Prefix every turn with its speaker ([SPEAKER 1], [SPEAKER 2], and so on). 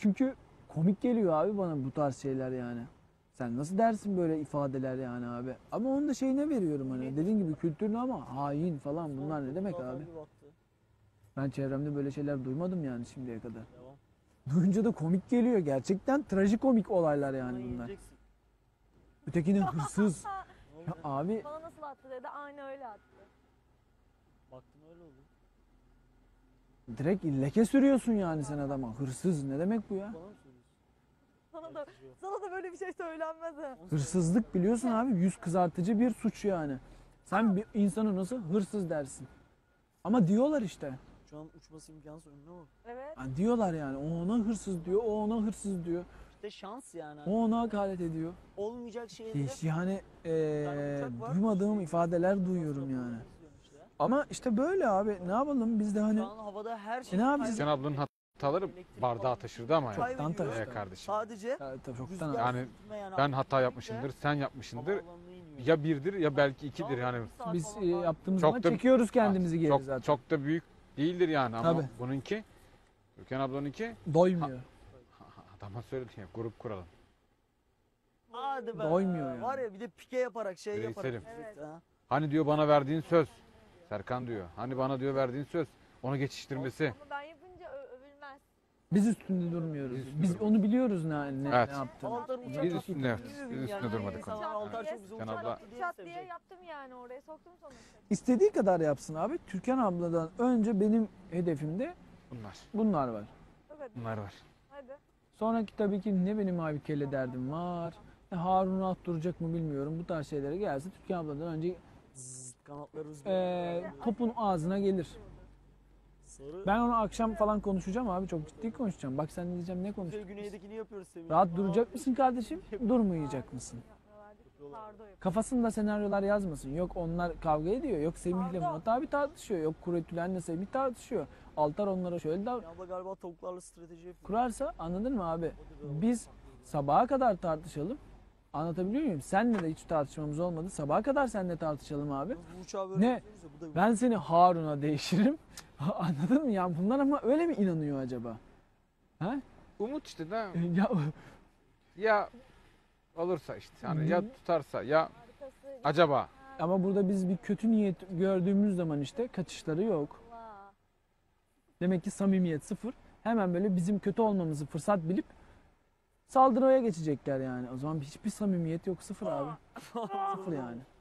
[SPEAKER 1] Çünkü komik geliyor abi bana bu tarz şeyler yani. Sen nasıl dersin böyle ifadeler yani abi? Ama onun da şeyine veriyorum hani. Dediğin gibi kültürlü ama hain falan bunlar ne demek abi? Ben çevremde böyle şeyler duymadım yani şimdiye kadar.
[SPEAKER 2] Devam.
[SPEAKER 1] Duyunca da komik geliyor. Gerçekten trajikomik olaylar yani
[SPEAKER 2] Bana
[SPEAKER 1] bunlar.
[SPEAKER 2] yiyeceksin.
[SPEAKER 1] Ötekine hırsız.
[SPEAKER 2] Ne
[SPEAKER 1] Ya
[SPEAKER 2] oldu?
[SPEAKER 1] abi
[SPEAKER 3] Bana nasıl attı dedi. Aynı öyle attı.
[SPEAKER 2] Baktım öyle oldu.
[SPEAKER 1] direkt leke sürüyorsun yani sen adama. Hırsız ne demek bu ya?
[SPEAKER 2] Bana mı söylüyorsun?
[SPEAKER 3] Sana da böyle bir şey söylenmez ha.
[SPEAKER 1] Hırsızlık biliyorsun abi yüz kızartıcı bir suç yani. Sen bir insanı nasıl hırsız dersin? Ama diyorlar işte.
[SPEAKER 2] Şu an uçması imkansız önüne bak.
[SPEAKER 3] Evet.
[SPEAKER 1] Yani diyorlar yani o ona hırsız diyor, o ona hırsız diyor.
[SPEAKER 2] İşte şans yani.
[SPEAKER 1] O ona hakaret ediyor.
[SPEAKER 2] Olmayacak şeyleri.
[SPEAKER 1] Yani
[SPEAKER 2] uçak var.
[SPEAKER 1] duymadığım ifadeler duyuyorum yani. Ama işte böyle abi ne yapalım biz de hani
[SPEAKER 2] Şu an havada her şey.
[SPEAKER 1] ne yapacağız?
[SPEAKER 4] Sen ablanın hataları bardağı taşırdı ama
[SPEAKER 2] Çay
[SPEAKER 4] yani.
[SPEAKER 1] Çoktan
[SPEAKER 2] veriyor.
[SPEAKER 1] taşıdı.
[SPEAKER 4] Kardeşim.
[SPEAKER 2] Sadece
[SPEAKER 1] Ya, tabii çoktan
[SPEAKER 2] rüzgar
[SPEAKER 1] abi.
[SPEAKER 4] Yani
[SPEAKER 2] sürtünme yani
[SPEAKER 4] Ben hata
[SPEAKER 2] aktivite
[SPEAKER 4] yapmışımdır, sen yapmışsındır.
[SPEAKER 2] havaalanına iniyor.
[SPEAKER 4] Ya birdir ya belki ikidir yani.
[SPEAKER 1] Biz yaptığımız
[SPEAKER 4] Çok
[SPEAKER 1] zaman
[SPEAKER 4] da-
[SPEAKER 1] çekiyoruz kendimizi geri
[SPEAKER 4] Çok,
[SPEAKER 1] zaten.
[SPEAKER 4] çok da büyük değildir yani ama
[SPEAKER 1] Tabii.
[SPEAKER 4] bununki, Türkan ablanınki
[SPEAKER 1] Doymuyor.
[SPEAKER 4] adama söyledim ya grup kuralım.
[SPEAKER 2] Hadi be.
[SPEAKER 1] Doymuyor yani.
[SPEAKER 2] Var ya bir de pike yaparak şey
[SPEAKER 4] Reiselim.
[SPEAKER 2] yaparak.
[SPEAKER 3] Evet.
[SPEAKER 2] Ha.
[SPEAKER 4] Hani diyor bana verdiğin söz. Serkan diyor. Hani bana diyor verdiğin söz. Onu geçiştirmesi.
[SPEAKER 3] Ama ben yapınca övülmez.
[SPEAKER 1] Biz üstünde durmuyoruz.
[SPEAKER 4] Biz
[SPEAKER 1] Biz
[SPEAKER 4] üstünde
[SPEAKER 1] onu biliyoruz ne
[SPEAKER 4] Evet.
[SPEAKER 1] yaptığını.
[SPEAKER 2] Altar uçak
[SPEAKER 4] Biz
[SPEAKER 2] attı.
[SPEAKER 4] üstünde, evet.
[SPEAKER 2] Yemin
[SPEAKER 4] Biz
[SPEAKER 2] ederim
[SPEAKER 4] üstünde
[SPEAKER 2] yani.
[SPEAKER 4] durmadık
[SPEAKER 2] İnsanlar
[SPEAKER 3] onu.
[SPEAKER 2] Altar çok güzel
[SPEAKER 4] Sen
[SPEAKER 2] uçak
[SPEAKER 4] abla-
[SPEAKER 2] attı diye
[SPEAKER 3] Çat
[SPEAKER 2] sevecek.
[SPEAKER 3] diye yaptım yani oraya soktum sonuçta.
[SPEAKER 1] İstediği kadar yapsın abi. Türkan abladan önce benim hedefimde bunlar var.
[SPEAKER 3] Evet.
[SPEAKER 4] Bunlar var.
[SPEAKER 3] Hadi.
[SPEAKER 1] Sonraki tabii ki ne benim abi kelle derdim var. Harun'u attıracak mı bilmiyorum. Bu tarz şeylere gelse Türkan abladan önce
[SPEAKER 2] Zzz, kanatları rüzgar.
[SPEAKER 1] topun ağzına gelir.
[SPEAKER 2] Sarı.
[SPEAKER 1] Ben onu akşam falan konuşacağım abi. Çok ciddi konuşacağım. Bak sen diyeceğim ne
[SPEAKER 2] Kuzey
[SPEAKER 1] konuşacağız?
[SPEAKER 2] güneydekini yapıyoruz Semih.
[SPEAKER 1] Rahat duracak mısın kardeşim? Durmayacak mısın?
[SPEAKER 3] Sardo yapıyor.
[SPEAKER 1] Kafasında senaryolar yazmasın. Yok onlar kavga ediyor. Yok Semih'le Murat abi tartışıyor. Yok Kuretülen'le Semih tartışıyor. Altar onlara şöyle
[SPEAKER 2] Ya abla galiba tavuklarla strateji yapıyor.
[SPEAKER 1] kurarsa anladın mı abi? Biz sabaha kadar tartışalım. Anlatabiliyor muyum? Seninle de hiç tartışmamız olmadı. Sabaha kadar seninle tartışalım abi.
[SPEAKER 2] Bu uçağı böyle
[SPEAKER 1] Ne?
[SPEAKER 2] yapıyoruz ya, bu da
[SPEAKER 1] Ben seni Harun'a değişirim. Anladın mı? Ya bunlar ama öyle mi inanıyor acaba? Ha?
[SPEAKER 4] Umut işte de
[SPEAKER 1] Ya
[SPEAKER 4] ya olursa işte yani ya tutarsa ya
[SPEAKER 3] Arkası.
[SPEAKER 4] acaba.
[SPEAKER 1] ama burada biz bir kötü niyet gördüğümüz zaman işte kaçışları yok.
[SPEAKER 3] Allah.
[SPEAKER 1] Demek ki samimiyet sıfır. Hemen böyle bizim kötü olmamızı fırsat bilip saldırıya geçecekler yani. O zaman hiçbir samimiyet yok. Sıfır abi. Sıfır yani.